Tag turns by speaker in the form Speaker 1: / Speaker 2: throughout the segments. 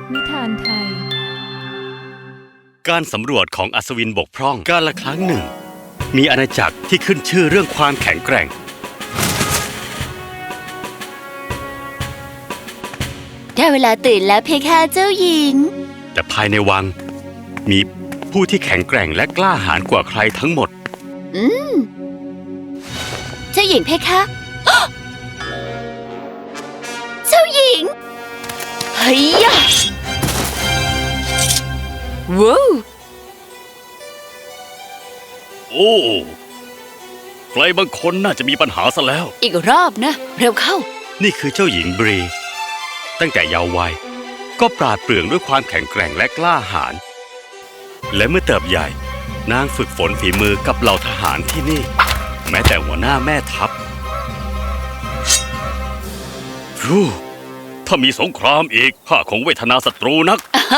Speaker 1: นิทานไทย
Speaker 2: การสำรวจของอัศวินบกพร่องกาลครั้งหนึ่งมีอาณาจักรที่ขึ้นชื่อเรื่องความแข็งแกร่ง
Speaker 3: ได้เวลาตื่นแล้วเพคะเจ้าหญิง
Speaker 2: แต่ภายในวังมีผู้ที่แข็งแกร่งและกล้าหาญกว่าใครทั้งหมด
Speaker 3: เจ้าหญิงเพคะ เจ้าหญิงเฮ้ยยะว้าว
Speaker 2: โอ้ใครบางคนน่าจะมีปัญหาซะแล้ว
Speaker 3: อีกรอบนะเร็วเข้า
Speaker 2: นี่คือเจ้าหญิงบรีตั้งแต่เยาว์วัยก็ปราดเปรื่องด้วยความแข็งแกร่งและกล้าหาญและเมื่อเติบใหญ่นางฝึกฝนฝีมือกับเหล่าทหารที่นี่แม้แต่หัวหน้าแม่ทัพถ้ามีสงครามอีกข้าคงเวทนาศัตรูนัก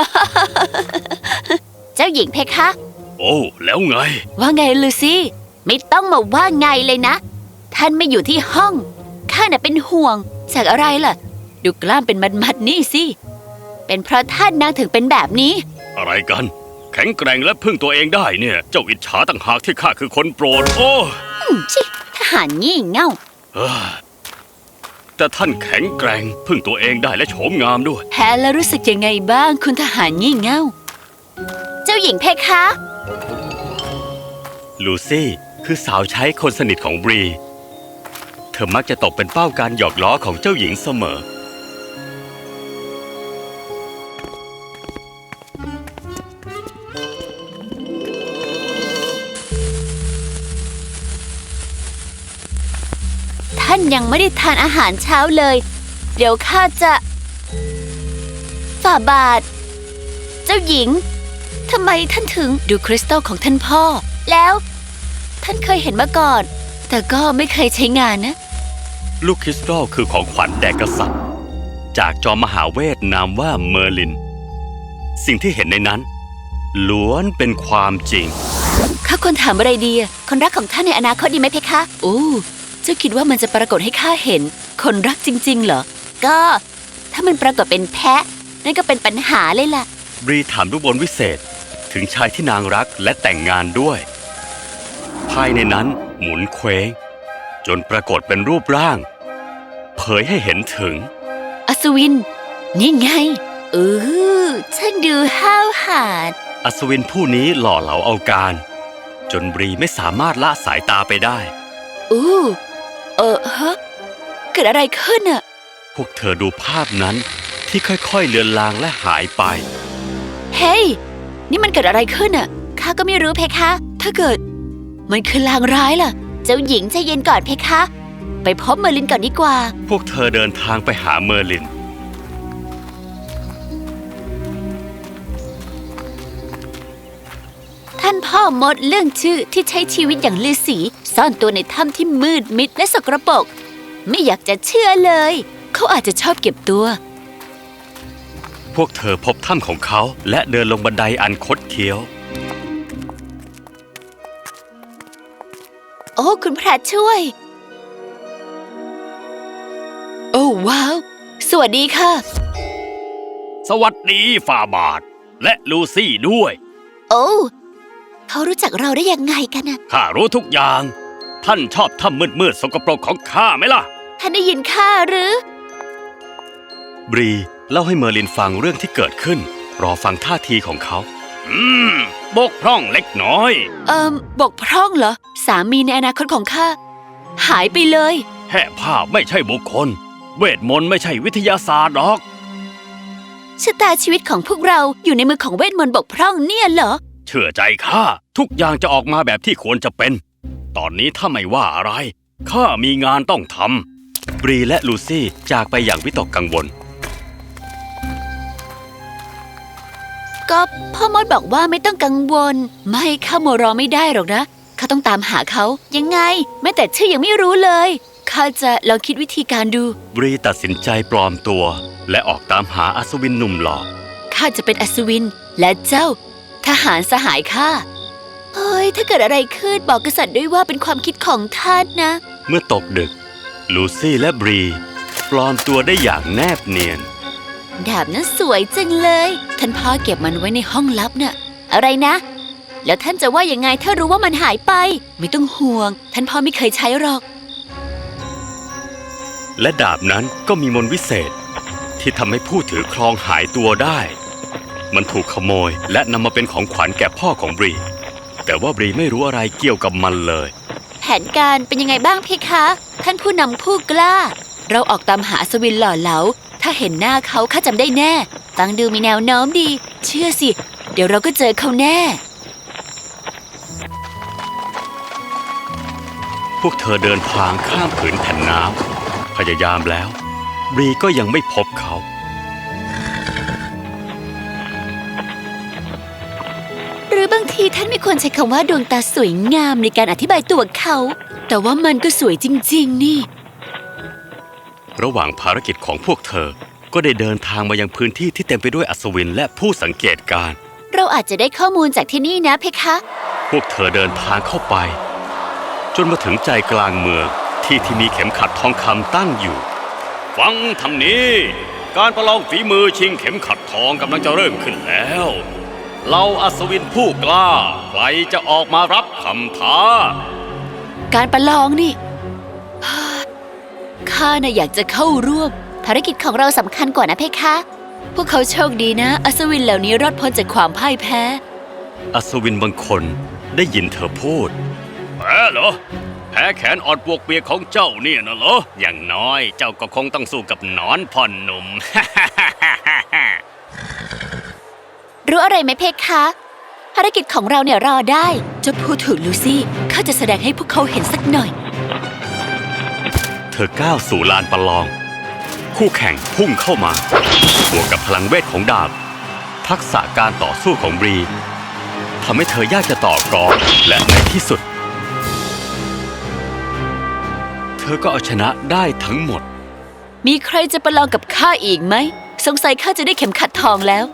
Speaker 3: เจ้าหญิงเพคะ
Speaker 2: โอ้แล้วไง
Speaker 3: ว่าไงลูซี่ไม่ต้องมาว่าไงเลยนะท่านไม่อยู่ที่ห้องข้าน่ะเป็นห่วงจากอะไรล่ะดูกล้ามเป็นมัดๆนี่สิเป็นเพราะท่านนางถึงเป็นแบบนี้
Speaker 2: อะไรกันแข็งแกร่งและพึ่งตัวเองได้เนี่ยเจ้าอิจฉาต่างหากที่ข้าคือคนโปรดโอ้
Speaker 3: ชิทหารงี่เง่า
Speaker 2: แต่ท่านแข็งแกร่งพึ่งตัวเองได้และโฉมงามด้วย
Speaker 3: แพ้แล้วรู้สึกยังไงบ้างคุณทหารงี่เง่าเจ้าหญิงเพคะ
Speaker 2: ลูซี่คือสาวใช้คนสนิทของบรีเธอมักจะตกเป็นเป้าการหยอกล้อของเจ้าหญิงเสมอ
Speaker 3: ท่านยังไม่ได้ทานอาหารเช้าเลยเดี๋ยวข้าจะฝ่าบาทเจ้าหญิงทำไมท่านถึงดูคริสตัลของท่านพ่อแล้วท่านเคยเห็นมาก่อนแต่ก็ไม่เคยใช้งานนะ
Speaker 2: ลูกคริสตัลคือของขวัญแด่กษัตริย์จากจอมมหาเวทนามว่าเมอร์ลินสิ่งที่เห็นในนั้นล้วนเป็นความจริง
Speaker 3: ข้าควรถามอะไรดีคนรักของท่านในอนาคตดีไหมเพคะโอ้เจ้าคิดว่ามันจะปรากฏให้ข้าเห็นคนรักจริงๆเหรอก็ถ้ามันปรากฏเป็นแพะนั่นก็เป็นปัญหาเลยล่ะ
Speaker 2: บรีถามลูกบอลวิเศษถึงชายที่นางรักและแต่งงานด้วยภายในนั้นหมุนเคว้งจนปรากฏเป็นรูปร่างเผยให้เห็นถึง
Speaker 3: อัศวินนี่ไงช่างดูห้าวหาญ
Speaker 2: อัศวินผู้นี้หล่อเหลาเอาการจนบรีไม่สามารถละสายตาไปได้
Speaker 3: ฮะเกิดอะไรขึ้นอ่ะ
Speaker 2: พวกเธอดูภาพนั้นที่ค่อยๆเลือนลางและหายไป
Speaker 3: เฮ้ยนี่มันเกิดอะไรขึ้นอ่ะข้าก็ไม่รู้เพคะถ้าเกิดมันคือลางร้ายล่ะเจ้าหญิงใจเย็นก่อนเพคะไปพบเมอร์ลินก่อนดีกว่า
Speaker 2: พวกเธอเดินทางไปหาเมอร์ลิน
Speaker 3: ท่านพ่อมดเรื่องชื่อที่ใช้ชีวิตอย่างฤาษีซ่อนตัวในถ้ำที่มืดมิดและสกปรกไม่อยากจะเชื่อเลยเขาอาจจะชอบเก็บตัว
Speaker 2: พวกเธอพบถ้ำของเขาและเดินลงบันไดอันคดเคี้ยว
Speaker 3: โอ้คุณพระช่วยโอ้ว้าวสวัสดีค่ะ
Speaker 2: สวัสดีฝ่าบาทและลูซี่ด้วย
Speaker 3: โอ้เขารู้จักเราได้ยังไงกันนะ
Speaker 2: ข้ารู้ทุกอย่างท่านชอบถ้ำมืดๆสกปรกของข้าไหมล่ะ
Speaker 3: ท่านได้ยินข้าหรือบ
Speaker 2: รีเล่าให้เมอร์ลินฟังเรื่องที่เกิดขึ้นรอฟังท่าทีของเขาบกพร่องเล็กน้อย
Speaker 3: บกพร่องเหรอสามีในอนาคตของข้าหายไปเลย
Speaker 2: แห่ภาพไม่ใช่บุคคลเวทมนต์ไม่ใช่วิทยาศาสตร์หรอก
Speaker 3: ชะตาชีวิตของพวกเราอยู่ในมือของเวทมนต์บกพร่องเนี่ยเหรอ
Speaker 2: เชื่อใจข้าทุกอย่างจะออกมาแบบที่ควรจะเป็นตอนนี้ถ้าไม่ว่าอะไรข้ามีงานต้องทำบรีและลูซี่จากไปอย่างวิตกกังวล
Speaker 3: ก็พ่อมดบอกว่าไม่ต้องกังวลไม่ข้ามัวรอไม่ได้หรอกนะข้าต้องตามหาเขายังไงแม้แต่ชื่อยังไม่รู้เลยข้าจะลองคิดวิธีการดู
Speaker 2: บรีตัดสินใจปลอมตัวและออกตามหาอัศวินหนุ่มหล่อ
Speaker 3: ข้าจะเป็นอัศวินและเจ้าทหารสหายข้าเฮ้ยถ้าเกิดอะไรขึ้นบอกกษัตริย์ด้วยว่าเป็นความคิดของท่านนะ
Speaker 2: เมื่อตกดึกลูซี่และบรีปลอมตัวได้อย่างแนบเนียน
Speaker 3: ดาบนั้นสวยจังเลย ท่านพ่อเก็บมันไว้ในห้องลับน่ะ อะไรนะ แล้วท่านจะว่ายังไงถ้ารู้ว่ามันหายไป ไม่ต้องห่วง ท่านพ่อไม่เคยใช้หรอก
Speaker 2: และดาบนั้นก็มีมนต์วิเศษที่ทำให้ผู้ถือครองหายตัวได้ มันถูกขโมยและนำมาเป็นของขวัญแก่พ่อของบรี แต่ว่าบรีไม่รู้อะไรเกี่ยวกับมันเลย
Speaker 3: แผนการเป็นยังไงบ้างเพคะ ท่านผู้นำผู้กล้า เราออกตามหาอัศวินหล่อเหลา ถ้าเห็นหน้าเขาข้าจำได้แน่ ฟังดูมีแนวโน้มดี เชื่อสิ เดี๋ยวเราก็เจอเขาแน่
Speaker 2: พวกเธอเดินทางข้ามผืนแผ่นน้ำพยายามแล้วบรีก็ยังไม่พบเขา
Speaker 3: หรือบางทีท่านไม่ควรใช้คำว่าดวงตาสวยงามในการอธิบายตัวเขา แต่ว่ามันก็สวยจริงๆนี่
Speaker 2: ระหว่างภารกิจของพวกเธอก็ได้เดินทางมายังพื้นที่ที่เต็มไปด้วยอัศวินและผู้สังเกตการณ์
Speaker 3: เราอาจจะได้ข้อมูลจากที่นี่นะเพคะ
Speaker 2: พวกเธอเดินทางเข้าไป จนมาถึงใจกลางเมืองที่มีเข็มขัดทองคำตั้งอยู่ ฟังทางนี้ การประลองฝีมือชิงเข็มขัดทองกำลังจะเริ่มขึ้นแล้วเหล่าอัศวินผู้กล้าใครจะออกมารับคำท้า
Speaker 3: การประลองนี่ ข้าน่ะอยากจะเข้าร่วม ภารกิจของเราสำคัญกว่านะเพคะ พวกเขาโชคดีนะ อัศวินเหล่านี้รอดพ้นจากความพ่ายแพ้
Speaker 2: อัศวินบางคนได้ยินเธอพูดแพ้เหรอแพ้แขนอ่อนปวกเปียกของเจ้าเนี่ยนะเหรออย่างน้อยเจ้าก็คงต้องสู้กับหนอนพ่อหนุ่ม
Speaker 3: รู้อะไรไหมเพคะ ภารกิจของเราเนี่ยรอได้เจ้าพูดถูกลูซี่ข้าจะแสดงให้พวกเขาเห็นสักหน่อย
Speaker 2: เธอก้าวสู่ลานประลอง คู่แข่งพุ่งเข้ามาบวกกับพลังเวทของดาบ ทักษะการต่อสู้ของบรีทำให้เธอยากจะต่อกรและในที่สุด เธอก็เอาชนะได้ทั้งหมด
Speaker 3: มีใครจะประลองกับข้าอีกไหม สงสัยข้าจะได้เข็มขัดทองแล้ว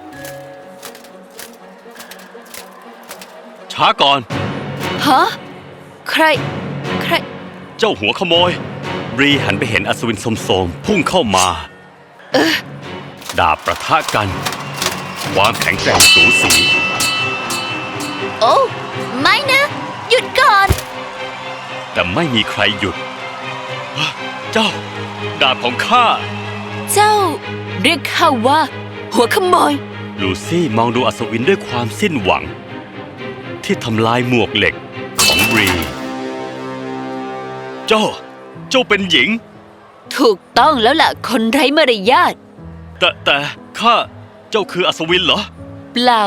Speaker 2: ช้าก่อน
Speaker 3: ฮะ ใคร
Speaker 2: เจ้าหัวขโมย บรีหันไปเห็นอัศวินโสมๆพุ่งเข้ามาดาบประทะกัน ความแข็งแกร่งสูสี
Speaker 3: โอ้ไม่นะ หยุดก่อน
Speaker 2: แต่ไม่มีใครหยุด เจ้า ดาบของข้า
Speaker 3: เจ้า เรียกข้าว่า หัวขโมย
Speaker 2: ลูซี่มองดูอัศวินด้วยความสิ้นหวัง ที่ทำลายหมวกเหล็กของบรี เจ้าเป็นหญิง
Speaker 3: ถูกต้องแล้วล่ะ คนไร้มารยาท
Speaker 2: แต่ข้าเจ้าคืออัศวินเหรอ
Speaker 3: เปล่า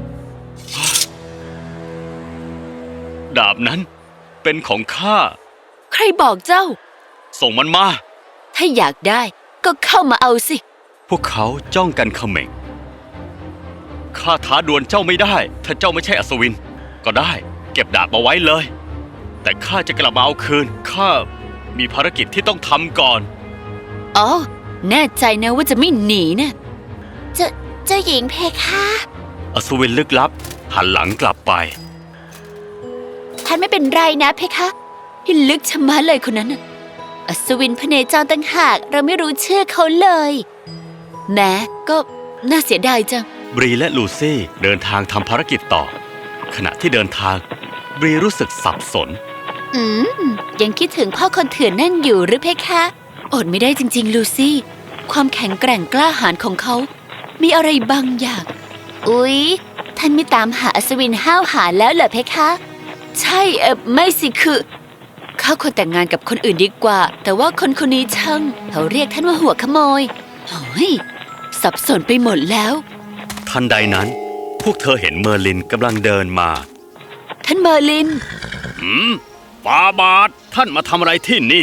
Speaker 2: ดาบนั้นเป็นของข้า
Speaker 3: ใครบอกเจ้า
Speaker 2: ส่งมันมา
Speaker 3: ถ้าอยากได้ก็เข้ามาเอาสิ
Speaker 2: พวกเขาจ้องกันเขม่งข้าท้าดวลเจ้าไม่ได้ ถ้าเจ้าไม่ใช่อัศวิน ก็ได้ เก็บดาบมาไว้เลย แต่ข้าจะกลับมาเอาคืน ข้ามีภารกิจที่ต้องทำก่อน
Speaker 3: อ๋อ แน่ใจนะว่าจะไม่หนีนะเจ้าหญิงเพคะ
Speaker 2: อัศวินลึกลับ หันหลังกลับไป
Speaker 3: ท่านไม่เป็นไรนะเพคะที่ลึกชะมัดเลยคนนั้นน่ะอัศวินพเนจรต่างหากเราไม่รู้ชื่อเขาเลยแม้ก็น่าเสียดายจัง
Speaker 2: บรีและลูซี่เดินทางทำภารกิจต่อ ขณะที่เดินทาง บรีรู้สึกสับสน
Speaker 3: ยังคิดถึงพ่อคนเถื่อนนั่นอยู่หรือเพคะอดไม่ได้จริงๆลูซี่ ความแข็งแกร่งกล้าหาญของเขา มีอะไรบางอย่าง อุ๊ย ท่านไม่ตามหาอัศวินห้าวหาญแล้วเหรอเพคะ ใช่ไม่สิคือข้าควรแต่งงานกับคนอื่นดีกว่า แต่ว่าคนนี้ช่างเขาเรียกท่านว่าหัวขโมยเฮ้ยสับสนไปหมดแล้ว
Speaker 2: ทันใดนั้น พวกเธอเห็นเมอร์ลินกำลังเดินมา
Speaker 3: ท่านเมอร์ลิน
Speaker 2: ฟาบาทท่านมาทำอะไรที่นี่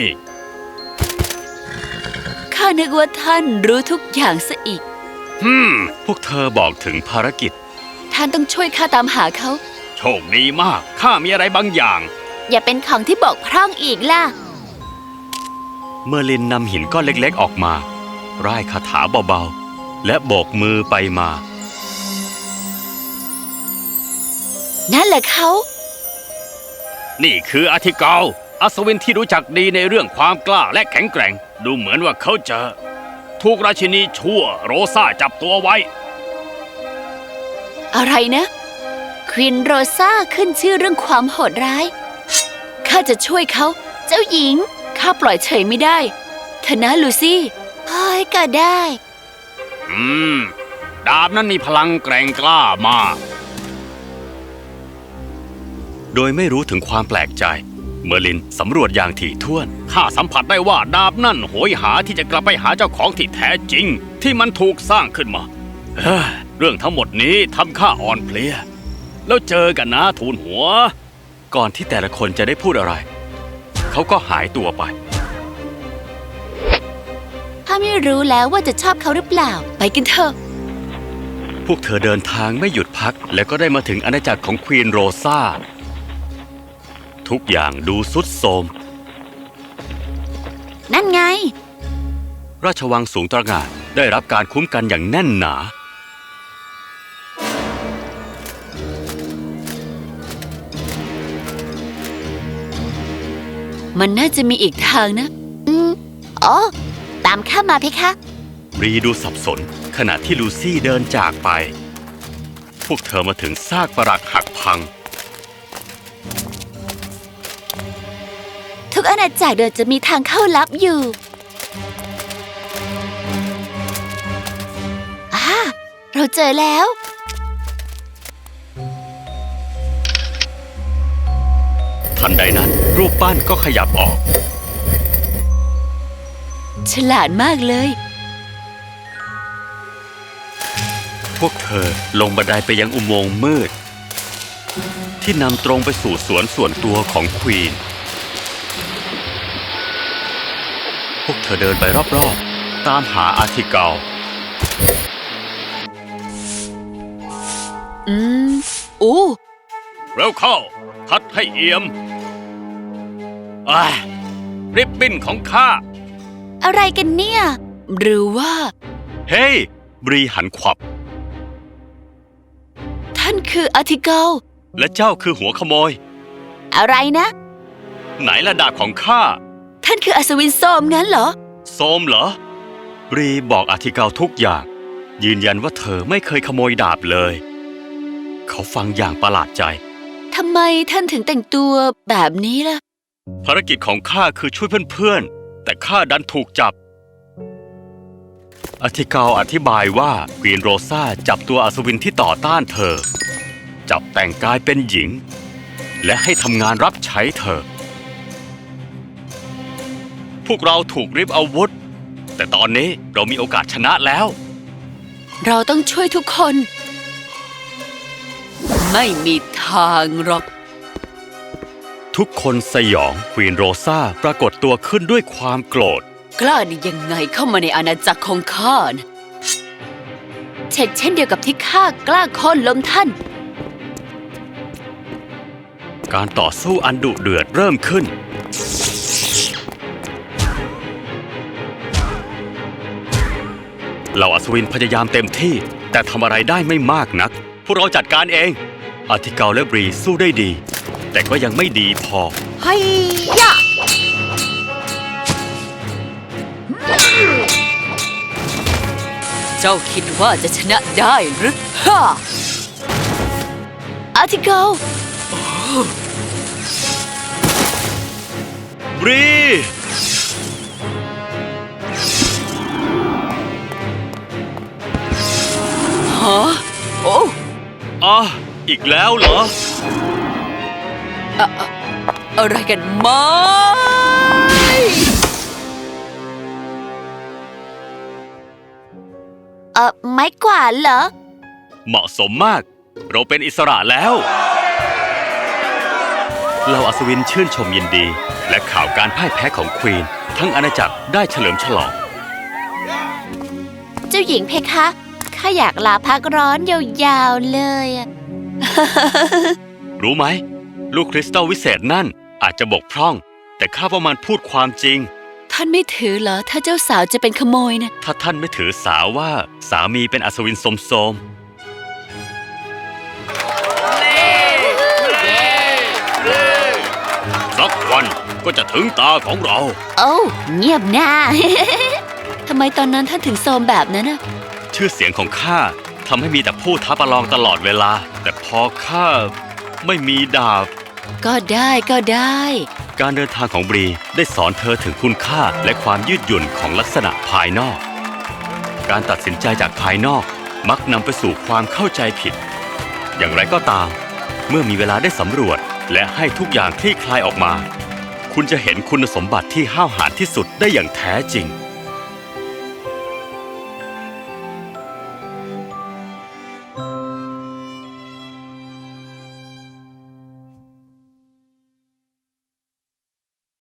Speaker 3: ข้านึกว่าท่านรู้ทุกอย่างซะอีก
Speaker 2: พวกเธอบอกถึงภารกิจ
Speaker 3: ท่านต้องช่วยข้าตามหาเขา
Speaker 2: โชคดีมาก ข้ามีอะไรบางอย่าง
Speaker 3: อย่าเป็นของที่บกพร่องอีกล่ะ
Speaker 2: เมอร์ลินนำหินก้อนเล็กๆออกมา ร่ายคาถาเบาๆ และโบกมือไปมา
Speaker 3: นั่นแหละเขา
Speaker 2: นี่คืออาทิเกาอัศวินที่รู้จักดีในเรื่องความกล้าและแข็งแกร่ง ดูเหมือนว่าเขาจะ
Speaker 1: ถูกราชินีชั่วโรซาจับตัวไว้
Speaker 3: อะไรนะควีนโรซาขึ้นชื่อเรื่องความโหดร้ายข้าจะช่วยเขาเจ้าหญิงข้าปล่อยเฉยไม่ได้เธอนะลูซี่เฮ้ยก็ได้
Speaker 1: ดาบนั้นมีพลังแกร่งกล้ามาก
Speaker 2: โดยไม่รู้ถึงความแปลกใจเมอร์ลินสำรวจอย่างถี่ถ้วน
Speaker 1: ข้าสัมผัสได้ว่าดาบนั่นโหยหาที่จะกลับไปหาเจ้าของที่แท้จริงที่มันถูกสร้างขึ้นมาเรื่องทั้งหมดนี้ทำข้าอ่อนเพลียแล้วเจอกันนะทูลหัว
Speaker 2: ก่อนที่แต่ละคนจะได้พูดอะไร เขาก็หายตัวไป
Speaker 3: ถ้าไม่รู้แล้วว่าจะชอบเขาหรือเปล่าไปกันเถอะ
Speaker 2: พวกเธอเดินทางไม่หยุดพักและก็ได้มาถึงอาณาจักรของควีนโรซาทุกอย่างดูทรุดโทรม
Speaker 3: นั่นไง
Speaker 2: ราชวังสูงตระหง่านได้รับการคุ้มกันอย่างแน่นหนา
Speaker 3: มันน่าจะมีอีกทางนะอ๋อตามข้ามาเพคะ
Speaker 2: รีดูสับสนขณะที่ลูซี่เดินจากไป พวกเธอมาถึงซากปรักหักพัง
Speaker 3: ทุกอาณาจักรเดินจะมีทางเข้าลับอยู่เราเจอแล้ว
Speaker 2: ทันใดนั้นรูปปั้นก็ขยับออก
Speaker 3: ฉลาดมากเลย
Speaker 2: พวกเธอลงบันไดไปยังอุโมงค์มืด ที่นำตรงไปสู่สวนส่วนตัวของควีน พวกเธอเดินไปรอบๆตามหาอาร์ทิเกล
Speaker 3: โอ้
Speaker 1: เร็วเข้าทัดให้เอี่ยมริบบิ้นของข้า
Speaker 3: อะไรกันเนี่ย หรือว่า
Speaker 2: เฮ้ยบรีหันขวับ
Speaker 3: ท่านคืออาร์ติเกล
Speaker 2: และเจ้าคือหัวขโมย
Speaker 3: อะไรนะ
Speaker 2: ไหนละดาบของข้า
Speaker 3: ท่านคืออัศวินโซมงั้นเหรอ
Speaker 2: โซมเหรอ บรีบอกอาร์ทิเกลทุกอย่าง ยืนยันว่าเธอไม่เคยขโมยดาบเลย เขาฟังอย่างประหลาดใจ
Speaker 3: ทำไมท่านถึงแต่งตัวแบบนี้ล่ะ
Speaker 2: ภารกิจของข้าคือช่วยเพื่อนๆ แต่ข้าดันถูกจับ อาร์ทิเกลอธิบายว่าควีนโรซาจับตัวอัศวินที่ต่อต้านเธอ จับแต่งกายเป็นหญิง และให้ทำงานรับใช้เธอ พวกเราถูกริบอาวุธ แต่ตอนนี้เรามีโอกาสชนะแล้ว
Speaker 3: เราต้องช่วยทุกคน ไม่มีทางหรอก
Speaker 2: ทุกคนสยองควีนโรซาปรากฏตัวขึ้นด้วยความโกรธ
Speaker 3: กล้าได้ยังไงเข้ามาในอาณาจักรของข้านะเช่นเดียวกับที่ข้ากล้าโค่นล้มท่าน
Speaker 2: การต่อสู้อันดุเดือดเริ่มขึ้น เหล่าอัศวินพยายามเต็มที่แต่ทำอะไรได้ไม่มากนัก พวกเราจัดการเอง อาร์ทิเกลและบรีสู้ได้ดี แต่ก็ยังไม่ดีพอ
Speaker 3: ไฮยะเจ้าคิดว่าจะชนะได้หรือฮ่าอาร์ติเกล
Speaker 2: บรี
Speaker 3: ฮะโอ้
Speaker 2: อีกแล้วเหรอ
Speaker 3: อะไรกันไหมไม้กวาดเหรอ
Speaker 2: เหมาะสมมาก เราเป็นอิสระแล้วเหล่าอัศวินชื่นชมยินดี และข่าวการพ่ายแพ้ของควีน ทั้งอาณาจักรได้เฉลิมฉลอง
Speaker 3: เจ้าหญิงเพคะ ข้าอยากลาพักร้อนยาวๆเลยอะ
Speaker 2: รู้ไหม ลูกคริสตัลวิเศษนั่นอาจจะบกพร่อง แต่ข้าว่ามันพูดความจริง
Speaker 3: ท่านไม่ถือเหรอ ถ้าเจ้าสาวจะเป็นขโมยนะ
Speaker 2: ถ้าท่านไม่ถือสาว่าสามีเป็นอัศวินโสม
Speaker 1: สักวันก็จะถึงตาของเรา
Speaker 3: โอ้เงียบหน้าทำไมตอนนั้นท่านถึงโทรมแบบนั้นน่ะ
Speaker 2: ชื่อเสียงของข้าทำให้มีแต่ผู้ท้าประลองตลอดเวลา แต่พอข้าไม่มีดาบ
Speaker 3: ก็ได้ก็ได้
Speaker 2: การเดินทางของบรีได้สอนเธอถึงคุณค่าและความยืดหยุ่นของลักษณะภายนอก การตัดสินใจจากภายนอกมักนำไปสู่ความเข้าใจผิด อย่างไรก็ตาม เมื่อมีเวลาได้สำรวจและให้ทุกอย่างคลี่คลายออกมา คุณจะเห็นคุณสมบัติที่ห้าวหาญที่สุดได้อย่างแท้จริง